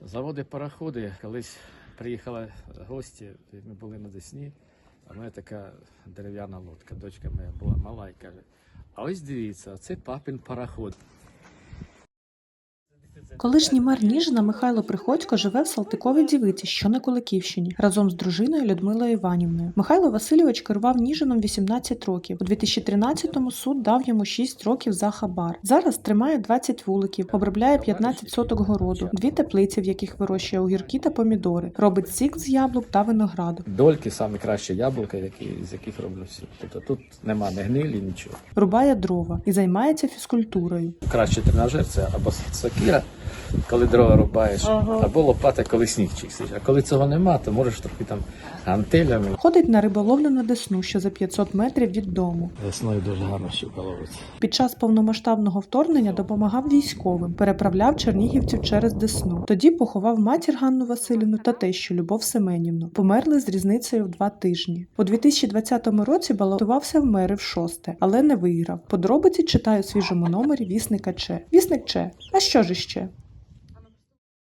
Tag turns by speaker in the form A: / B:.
A: Заводи пароходи. Колись приїхали гості, ми були на Десні, а в мене така дерев'яна лодка. Дочка моя була мала і каже: а ось дивіться, це папин пароход.
B: Колишній мер Ніжина Михайло Приходько живе в Салтиковій Дівиці, що на Куликівщині, разом з дружиною Людмилою Іванівною. Михайло Васильович керував Ніжином 18 років. У 2013-му суд дав йому 6 років за хабар. Зараз тримає 20 вуликів, обробляє 15 соток городу, 2 теплиці, в яких вирощує огірки та помідори, робить сік з яблук та винограду.
A: Дольки – самі кращі яблука, з яких роблю сік. Тобто тут нема ні гнилі, нічого.
B: Рубає дрова і займається фізкультурою.
A: Кращий тренажер – це або сокира, коли дрова рубаєш, або лопата, коли сніг чистиш. А коли цього нема, то можеш трохи там гантелями.
B: Ходить на риболовлю на Десну, що за 500 метрів від дому.
A: Весною дуже гарно щука ловиться.
B: Під час повномасштабного вторгнення допомагав військовим, переправляв чернігівців через Десну. Тоді поховав матір Ганну Василівну та тещу Любов Семенівну. Померли з різницею в 2 тижні. У 2020 році балотувався в мери в 6-те, але не виграв. Подробиці читаю у свіжому номері Вісника Че. Вісник Че. А що ж іще?